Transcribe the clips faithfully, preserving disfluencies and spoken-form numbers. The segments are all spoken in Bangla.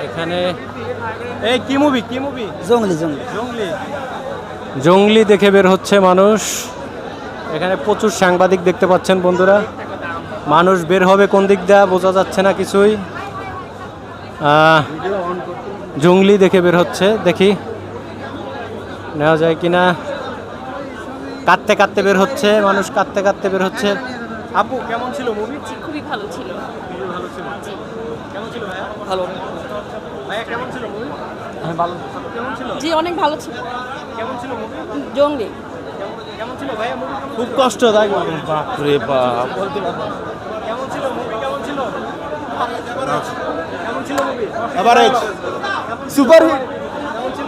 এখানে এই কি মুভি কি মুভি জঙ্গলি জঙ্গলি জঙ্গলি জঙ্গলি দেখে বের হচ্ছে মানুষ। এখানে প্রচুর সাংবাদিক দেখতে পাচ্ছেন বন্ধুরা। মানুষ বের হবে কোন দিক দিয়ে বোঝা যাচ্ছে না কিছুই। জঙ্গলি দেখে বের হচ্ছে, দেখি নেওয়া যায় কিনা। কাঁদতে কাঁদতে বের হচ্ছে মানুষ, কাঁদতে কাঁদতে বের হচ্ছে। আপু কেমন ছিল মুভি? খুবই ভালো ছিল। খুবই ভালো ছিল। কেমন ছিল ভাইয়া? ভালো। ভাইয়া কেমন ছিল মুভি? হ্যাঁ ভালো। কেমন ছিল? জি অনেক ভালো ছিল। কেমন ছিল মুভি? জঙ্গলি। কেমন ছিল ভাইয়া মুভি? খুব কষ্টদায়ক। বাপ রে বাপ। কেমন ছিল মুভি? কেমন ছিল? কেমন ছিল মুভি? এভারেজ। Super hit. কেমন ছিল?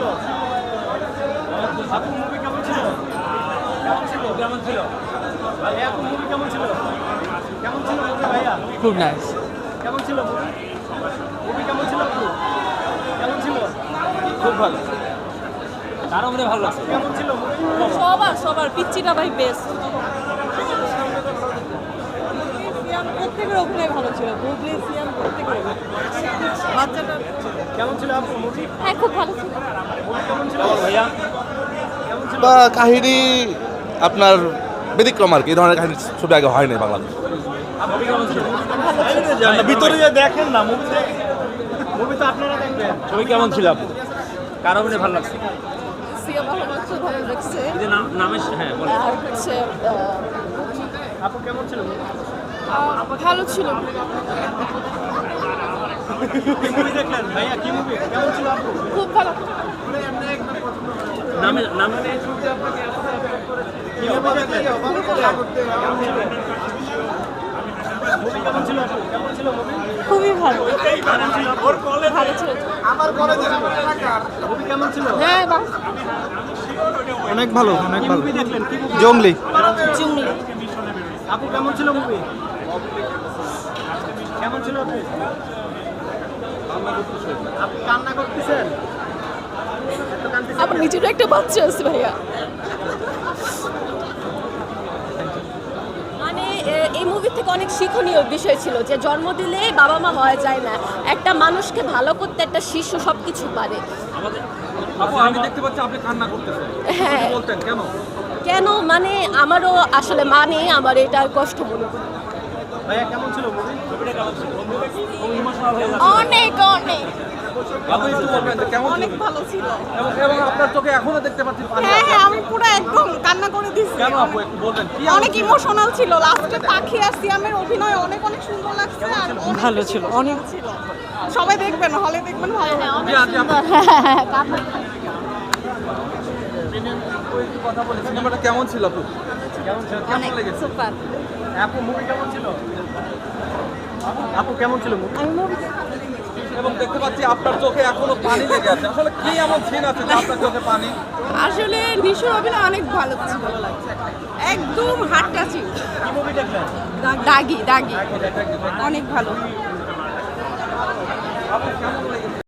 আপু মুভি কেমন ছিল? কেমন ছিল? কেমন ছিল? ভাইয়া আপু মুভি কেমন ছিল? কেমন ছিল মুভি ভাইয়া? খুব নাইস। কেমন ছিল মুভি? মুভি কেমন ছিল আপু? কেমন ছিল? খুব ভালো। কারো মনে ভালো লাগছে? কেমন ছিল মুভি? সবার সবার পিচ্চিটা ভাই বেস্ট। প্রত্যেকের অভিনয় ভালো ছিল। বুবলি সিয়াম প্রত্যেকের বাচ্চাটা কেমন ছিল আপু মুভি? হ্যাঁ খুব ভালো ছিল। মুভি কেমন ছিল ভাইয়া? কেমন ছিল? বা কাহিনী আপনার ব্যতিক্রম আর কি, এই ধরনের কাহিনী ছবি আগে হয় নাই বাংলাদেশ। মুভি কেমন ছিল? ভিতরে যে দেখেন না মুভি, মুভি তো আপনারা দেখবেন। ছবি কেমন ছিল আপু? কারো মনে ভালো লাগছে? সিয়াম ভালো লাগছে, ভালো লাগছে। এই যে নাম- নামের হ্যাঁ বলেন। আর হচ্ছে আপু কেমন ছিল মুভি? ভালো ছিল। কি মুভি দেখলেন ভাইয়া? কি মুভি কেমন ছিল আপু? খুব ভালো। নামে নামে কি মুভি দেখলেন? মুভি কেমন ছিল আপু? কেমন ছিল মুভি? খুবই ভালো। ভালো ছিল। মুভি কেমন ছিল? হ্যাঁ বাহ অনেক ভালো, অনেক কি ভালো। মুভি দেখলেন? কি মুভি? জঙ্গলি। জঙ্গলি। আপু কেমন ছিল মুভি? কেমন ছিল আপু? আপনি কান্না করতেছেন? এত কাঁদতেছেন? আমার নিজেরও একটা বাচ্চা আছে ভাইয়া। মানে এ- এই মুভি থেকে অনেক শিক্ষণীয় বিষয় ছিল যে জন্ম দিলে বাবা মা হওয়া যায় না, একটা মানুষকে ভালো করতে একটা শিশু সব কিছু পারে। আপু আমি দেখতে পাচ্ছি আপনি কান্না করতেছেন। হ্যাঁ বলতেন কেন? কেন মানে আমারও আসলে মা নেই, আমার এটা কষ্ট মনে করি। ভাইয়া কেমন ছিল মুভি? ছবিটা কেমন ছিল? খুব ইমোশনাল হয়ে যাচ্ছে। অনেক অনেক আপু একটু বলবেন যে কেমন ছিল? অনেক ভালো ছিল। এবং এবং আপনার চোখে এখনো দেখতে পাচ্ছি পানি হ্যাঁ আছে। হ্যাঁ আমি পুরো একদম কান্না করে দিচ্ছি। কেন আপু একটু বলবেন কি অনেক ইমোশনাল ছিল। লাস্টে পাখি আর সিয়ামের অভিনয় অনেক অনেক সুন্দর লাগছে আর অনেক ভালো বেশি ছিল, অনেক ছিল। সবাই দেখবেন, হলে দেখবেন, ভালো লাগবে। কথা বলে সিনেমাটা কেমন ছিল আপু? কেমন ছিল? কেমন লেগেছে? সুপার। আপু মুভি কেমন ছিল? আপু কেমন ছিল মুভি? এবং দেখতে পাচ্ছি আপনার চোখে এখনো পানি লেগে আছে। আসলে কি এমন সিন আছে যে আপনার চোখে পানি? আসলে নিশুর অভিনয় অনেক ভালো ছিল, একদম হার্ট টাচিং। কি মুভি দেখলেন? দাগি দাগি অনেক ভালো। আপু কেমন লেগেছে?